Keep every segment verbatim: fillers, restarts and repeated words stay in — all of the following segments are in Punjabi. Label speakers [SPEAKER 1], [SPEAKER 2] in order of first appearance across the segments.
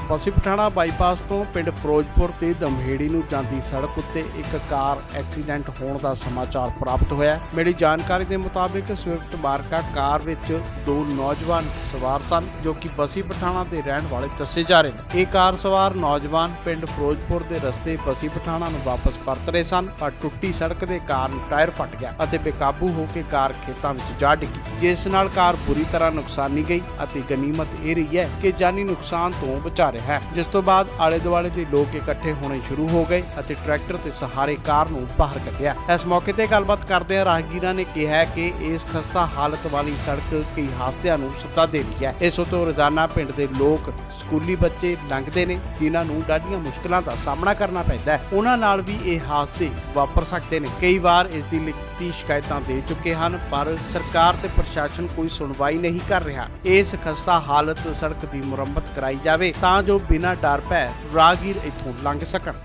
[SPEAKER 1] बसी पठाणा बाईपास तो पिंड फिरोजपुर ते दमहेड़ी नूं जांदी सड़क उत्ते एक कार एक्सीडेंट होने का समाचार प्राप्त होया। मिली जानकारी के मुताबिक स्विफ्ट मार्का कार विच दो नौजवान सवार सन जो कि बसी पठाणा के रहने वाले दसे जा रहे हैं। ये कार सवार नौजवान पिंड फिरोजपुर के रस्ते बसी पठाणा नूं वापस परत रहे सन, पर टुट्टी सड़क के कारण टायर फट गया और बेकाबू होकर कार खेतों में जा डिगी, जिस नाल कार बुरी तरह नुकसानी गई। गनीमत यह रही है कि जानी नुकसान तो बचा रहा है, जिस तो बाद आले दुआले के लोग इकट्ठे होने शुरू हो गए और ट्रैक्टर के सहारे कार नूं बाहर कढ़िया। इस मौके पर गलबात करदे राहगीरां ने कहा कि इस खस्ता हालत वाली सड़क कई हादसिਆਂ ਨੂੰ सद्दा दे रही है। इस ਤੋਂ रोजाना पिंड के लोग स्कूली बच्चे लंघते हैं, जिन्हां नूं डाढियां मुश्किलों का सामना करना पैंदा है। उन्हां नाल भी ये हादसे वापर सकते हैं। कई बार इसकी लिखती शिकायतां दे चुके हैं, पर सरकार ते प्रशासन कोई सुनवाई नहीं कर रहा। इस खस्ता हालत सड़क की मुरम्मत कराई जाए तां जो बिना डर भै राहगीर इत्थों लंघ सकन।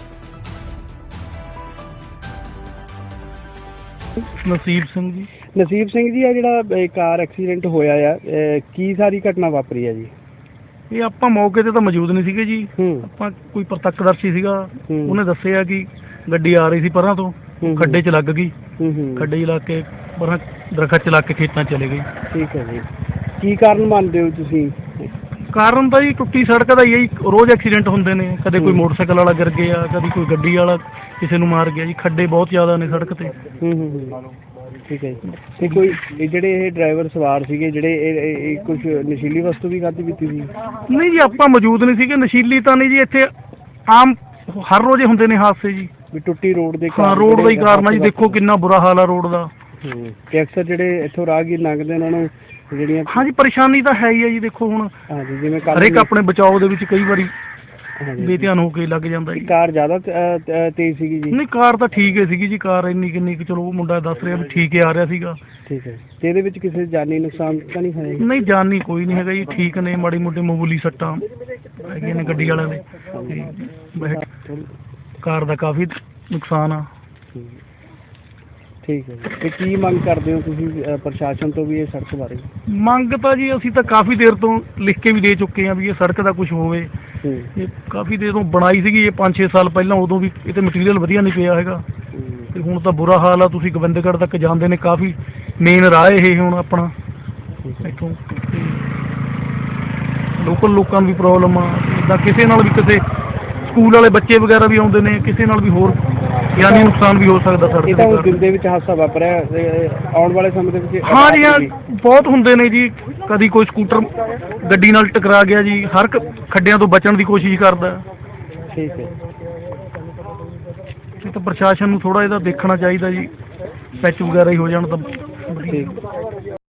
[SPEAKER 2] नसीब सिंह जी।
[SPEAKER 3] नसीब सिंह जी, आ जिहड़ा कार एक्सीडेंट होया आ की सारी घटना वापरी है जी?
[SPEAKER 2] ਇਹ ਆਪਾਂ ਮੌਕੇ ਤੇ ਤਾਂ ਮੌਜੂਦ ਨਹੀਂ ਸੀਗੇ ਜੀ। ਆਪਾਂ ਕੋਈ ਪ੍ਰਤੱਖਦਰਸ਼ੀ ਸੀਗਾ, ਉਹਨੇ ਦੱਸਿਆ ਕਿ ਗੱਡੀ ਆ ਰਹੀ ਸੀ ਪਰਾਂ ਤੋਂ, ਖੱਡੇ 'ਚ ਲੱਗ ਗਈ। ਖੱਡੇ 'ਚ ਲੱਗ ਕੇ ਪਰਾਂ ਦਰਖਤ 'ਚ ਲੱਗ ਕੇ ਖੇਤਾਂ 'ਚ ਚਲੇ ਗਈ।
[SPEAKER 3] ਠੀਕ ਹੈ ਜੀ। ਕੀ ਕਾਰਨ ਮੰਨਦੇ ਹੋ ਤੁਸੀਂ?
[SPEAKER 2] ਕਾਰਨ ਤਾਂ ਜੀ ਟੁੱਟੀ ਸੜਕ ਦਾ ਹੀ ਹੈ ਜੀ। ਰੋਜ਼ ਐਕਸੀਡੈਂਟ ਹੁੰਦੇ ਨੇ, ਕਦੇ ਕੋਈ ਮੋਟਰਸਾਈਕਲ ਵਾਲਾ ਗਿਰ ਗਿਆ, ਕਦੀ ਕੋਈ ਗੱਡੀ ਵਾਲਾ ਕਿਸੇ ਨੂੰ ਮਾਰ ਗਿਆ ਜੀ। ਖੱਡੇ ਬਹੁਤ ਜ਼ਿਆਦਾ ਨੇ ਸੜਕ ਤੇ।
[SPEAKER 3] ਹੂੰ ਹੂੰ ਠੀਕ ਹੈ ਜੀ। ਤੇ ਕੋਈ ਜਿਹੜੇ ਇਹ ਡਰਾਈਵਰ ਸਵਾਰ ਸੀਗੇ ਜਿਹੜੇ ਕੁਝ ਨਸ਼ੀਲੀ ਵਸਤੂ ਵੀ ਖਾਧੀ ਪੀਤੀ ਸੀ?
[SPEAKER 2] ਨਹੀਂ ਜੀ, ਆਪਾਂ ਮੌਜੂਦ ਨਹੀਂ ਸੀਗੇ। ਨਸ਼ੀਲੀ ਤਾਂ ਨਹੀਂ ਜੀ, ਇੱਥੇ ਆਮ ਹਰ ਰੋਜ਼ ਹੁੰਦੇ ਨੇ ਹਾਦਸੇ ਜੀ।
[SPEAKER 3] ਵੀ ਟੁੱਟੀ ਰੋਡ ਦੇ
[SPEAKER 2] ਹਾਂ, ਰੋਡ ਦਾ ਹੀ ਕਾਰਨ ਆ ਜੀ। ਦੇਖੋ ਕਿੰਨਾ ਬੁਰਾ ਹਾਲ ਆ ਰੋਡ ਦਾ।
[SPEAKER 3] ਤੇ ਅਕਸਰ ਜਿਹੜੇ ਇੱਥੋਂ ਰਾਹਗੀਰ ਲੰਘਦੇ ਉਹਨਾਂ ਨੂੰ ਜਿਹੜੀਆਂ
[SPEAKER 2] ਹਾਂਜੀ ਪਰੇਸ਼ਾਨੀ ਤਾਂ ਹੈ ਹੀ ਹੈ ਜੀ। ਦੇਖੋ ਹੁਣ
[SPEAKER 3] ਹਾਂਜੀ, ਜਿਵੇਂ
[SPEAKER 2] ਹਰੇਕ ਆਪਣੇ ਬਚਾਓ ਦੇ ਵਿੱਚ ਕਈ ਵਾਰੀ ਬੇਧਿਆਨ ਹੋ ਕੇ ਲੱਗ ਜਾਂਦਾ ਜੀ।
[SPEAKER 3] ਕਾਰ ਜ਼ਿਆਦਾ ਤੇਜ਼ ਸੀਗੀ ਜੀ?
[SPEAKER 2] ਨਹੀਂ, ਕਾਰ ਤਾਂ ਠੀਕ ਹੀ ਸੀਗੀ ਜੀ। ਕਾਰ ਇੰਨੀ ਕਿੰਨੀ ਕੁ, ਚਲੋ ਉਹ ਮੁੰਡਾ ਦੱਸ ਰਿਹਾ ਵੀ ਠੀਕ ਹੀ ਆ ਰਿਹਾ ਸੀਗਾ।
[SPEAKER 3] ਠੀਕ ਹੈ। ਤੇ ਇਹਦੇ ਵਿੱਚ ਕਿਸੇ ਜਾਨੀ ਨੁਕਸਾਨ ਤਾਂ ਨਹੀਂ ਹੋਇਆ?
[SPEAKER 2] ਨਹੀਂ, ਜਾਨੀ ਕੋਈ ਨਹੀਂ ਹੈਗਾ ਜੀ। ਠੀਕ ਨੇ, ਮਾੜੀ ਮੋਟੀ ਮਾਮੂਲੀ ਸੱਟਾਂ ਹੈਗੀਆਂ ਨੇ ਗੱਡੀ ਵਾਲਿਆਂ ਦੇ। ਕਾਰ ਦਾ ਕਾਫੀ ਨੁਕਸਾਨ ਆ।
[SPEAKER 3] ਠੀਕ ਹੈ। ਤੇ ਕੀ ਮੰਗ ਕਰਦੇ ਹੋ ਤੁਸੀਂ ਪ੍ਰਸ਼ਾਸਨ ਤੋਂ ਵੀ ਇਹ ਸੜਕ ਬਾਰੇ?
[SPEAKER 2] ਮੰਗ ਤਾਂ ਜੀ ਅਸੀਂ ਤਾਂ ਕਾਫੀ ਦੇਰ ਤੋਂ ਲਿਖ ਕੇ ਵੀ ਦੇ ਚੁੱਕੇ ਹਾਂ ਵੀ ਇਹ ਸੜਕ ਦਾ ਕੁਝ ਹੋਵੇ। ਇਹ ਕਾਫੀ ਦੇਰ ਤੋਂ ਬਣਾਈ ਸੀਗੀ, ਇਹ ਪੰਜ ਛੇ ਸਾਲ ਪਹਿਲਾਂ, ਉਦੋਂ ਵੀ ਇਹ 'ਤੇ ਮਟੀਰੀਅਲ ਵਧੀਆ ਨਹੀਂ ਪਿਆ ਹੈਗਾ। ਤੇ ਹੁਣ ਤਾਂ ਬੁਰਾ ਹਾਲ ਆ। ਤੁਸੀਂ ਗੋਬਿੰਦਗੜ੍ਹ ਤੱਕ ਜਾਂਦੇ ਨੇ, ਕਾਫੀ ਮੇਨ ਰਾਹ ਇਹ ਹੁਣ ਆਪਣਾ ਇੱਥੋਂ। ਲੋਕਲ ਲੋਕਾਂ ਨੂੰ ਵੀ ਪ੍ਰੋਬਲਮ ਆ। ਇੱਦਾਂ ਕਿਸੇ ਨਾਲ ਵੀ, ਕਿਸੇ ਸਕੂਲ ਵਾਲੇ ਬੱਚੇ ਵਗੈਰਾ ਵੀ ਆਉਂਦੇ ਨੇ, ਕਿਸੇ ਨਾਲ ਵੀ ਹੋਰ ਯਾਨੀ ਨੁਕਸਾਨ ਵੀ ਹੋ ਸਕਦਾ ਸੜਕ
[SPEAKER 3] ਇਹ ਤਾਂ ਉਸ ਦਿਨ ਦੇ ਵਿੱਚ ਹਾਦਸਾ ਵਾਪਰਿਆ। ਆਉਣ ਵਾਲੇ ਸਮੇਂ ਦੇ ਵਿੱਚ
[SPEAKER 2] ਹਾਂ ਜੀ, ਹਾਂ ਬਹੁਤ ਹੁੰਦੇ ਨੇ ਜੀ। ਕਦੀ ਕੋਈ ਸਕੂਟਰ ਗੱਡੀ ਨਾਲ ਟਕਰਾ ਗਿਆ ਜੀ। ਹਰ ਖੱਡਿਆਂ ਤੋਂ ਬਚਣ ਦੀ ਕੋਸ਼ਿਸ਼ ਕਰਦਾ।
[SPEAKER 3] ਠੀਕ ਹੈ।
[SPEAKER 2] ਇਹ ਤਾਂ ਪ੍ਰਸ਼ਾਸਨ ਨੂੰ ਥੋੜਾ ਇਹਦਾ ਦੇਖਣਾ ਚਾਹੀਦਾ ਜੀ। ਪੈਚ ਵਗੈਰਾ ਹੀ ਹੋ ਜਾਣ ਤਾਂ
[SPEAKER 3] ਠੀਕ।